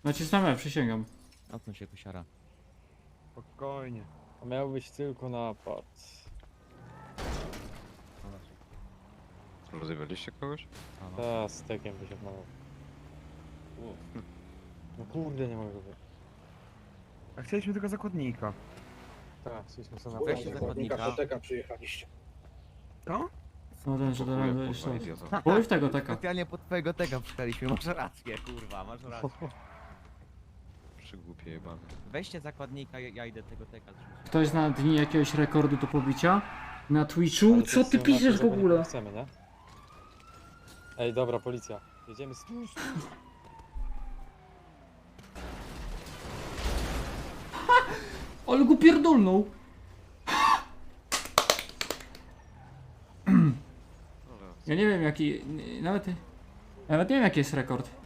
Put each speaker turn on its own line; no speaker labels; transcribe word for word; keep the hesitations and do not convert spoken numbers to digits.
Nacisnąłem, przysięgam.
Odsuń się, kusiara.
Spokojnie.
A miał być tylko napad.
Rozjewaliście kogoś?
A, no.
Ta z tekiem wysiadł na No kurde, nie mogę go wy...
A chcieliśmy tylko zakładnika.
Tak, chcieliśmy sobie
Weź
naprawić.
się
zakładnika
zakładnika.
Teka przyjechaliście.
To?
No ten, że
Kurwa,
dałem
kurwa,
jeszcze.
idiota.
Pójdź tego taka.
Specjalnie pod twojego tega przyszliśmy, masz rację, kurwa, masz rację.
Przygłupie jebany.
Weźcie zakładnika, ja, ja idę tego teka zrzucić.
Ktoś zna dni jakiegoś rekordu do pobicia? Na Twitchu?
Ale
Co
to
ty
są
piszesz w
nasze
ogóle?
nie chcemy, nie? Ej, dobra, policja. Jedziemy z...
Ale go pierdolnął! Ja nie wiem jaki... Nawet... Nawet nie wiem jaki jest rekord.